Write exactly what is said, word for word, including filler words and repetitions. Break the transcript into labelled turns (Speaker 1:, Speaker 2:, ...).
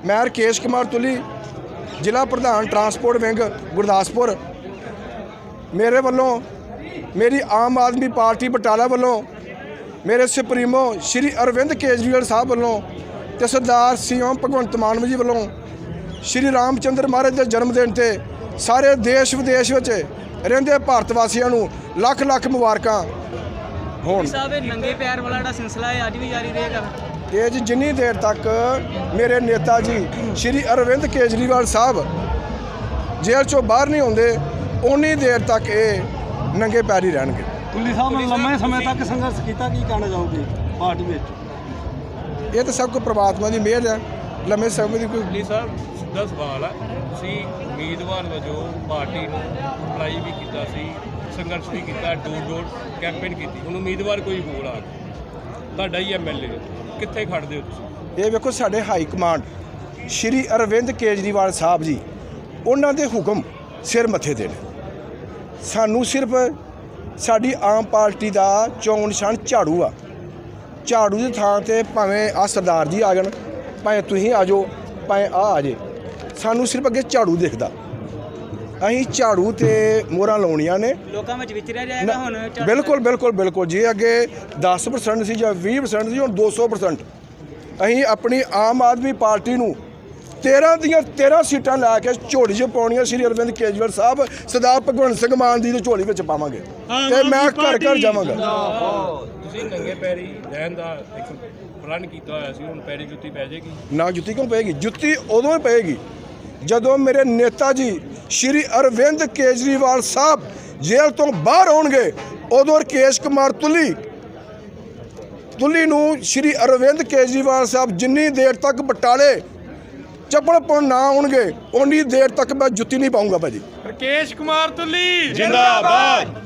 Speaker 1: मैं राकेश कुमार तुली जिला प्रधान ट्रांसपोर्ट विंग गुरदासपुर। मेरे वालों मेरी आम आदमी पार्टी बटाला वालों मेरे सुप्रीमो श्री अरविंद केजरीवाल साहब वालों ते सरदार सी एम भगवंत मान जी वालों श्री रामचंद्र महाराज के जन्मदिन ते सारे देश विदेश में रहिंदे भारत वासियों नूं लख लख मुबारकां होण।
Speaker 2: नंगे पैर वाला सिलसिला है अज भी जारी रहेगा।
Speaker 1: ये जी जिन्नी देर तक मेरे नेता जी श्री अरविंद केजरीवाल साहब जेल चों बाहर नहीं आउंदे उन्नी देर तक ये नंगे पैर ही रहणगे।
Speaker 3: तुली साहब ने लंबे समय तक संघर्ष किया, की कहना चाहोगे पार्टी में?
Speaker 1: ये तो सब कुछ परमात्मा की मेहर है। लंबे समय की कोई
Speaker 4: तुली साहब सिद्धा सवाल है, तुसीं उम्मीदवार वजों पार्टी नूं अप्लाई भी कीता सी, संघर्ष भी किया, डोर डोर कैंपेन की, हुण उम्मीदवार कोई होर आ गया, तुहाडा ही एम एल ए कित्थे खड़दे हो तुसीं?
Speaker 1: ये वेखो साडे हाई कमांड श्री अरविंद केजरीवाल साहब जी उन्हां दे हुक्म सिर मत्थे ते ने। सानू सिर्फ साडी आम पार्टी का चोण निशान झाड़ू आ। झाड़ू की थां ते भावें आ सरदार जी आ जाण, भावें तुसीं आ जाओ, भावें आ आ जे, सानू सिर्फ अगे झाड़ू दिखदा। असीं झाड़ू ते मोहरां लाउणियां ने।
Speaker 2: लोकां विच विचरिया जाएगा हुण झाड़ू।
Speaker 1: बिल्कुल बिल्कुल बिल्कुल जी। अगे दस परसेंट सी जां बीस परसेंट सी, हुण दो सौ परसेंट असीं अपनी आम आदमी पार्टी नूं तेरह दियां तेरह सीटां लैके झोली च पाउणियां श्री अरविंद केजरीवाल साहब सरदार भगवंत सिंह मान दी झोली विच पावांगे ते मैं घर घर जावांगा।
Speaker 4: तुसीं नंगे पैरी रहण दा एक प्रण कीता होया सी, हुण पैरी जुत्ती पै जाएगी?
Speaker 1: ना जुत्ती क्यों पेगी, जुत्ती उदों ही पेगी जदों मेरे नेता जी श्री अरविंद केजरीवाल साहब जेल तो बाहर आउणगे। उदों राकेश कुमार तुली तुली नूं श्री अरविंद केजरीवाल साहब जिन्नी देर तक बटाले चप्पड़ ना आउणगे उन्नी देर तक मैं जुत्ती नहीं पाऊंगा भाजी।
Speaker 3: राकेश कुमार तुली
Speaker 4: जिंदाबाद।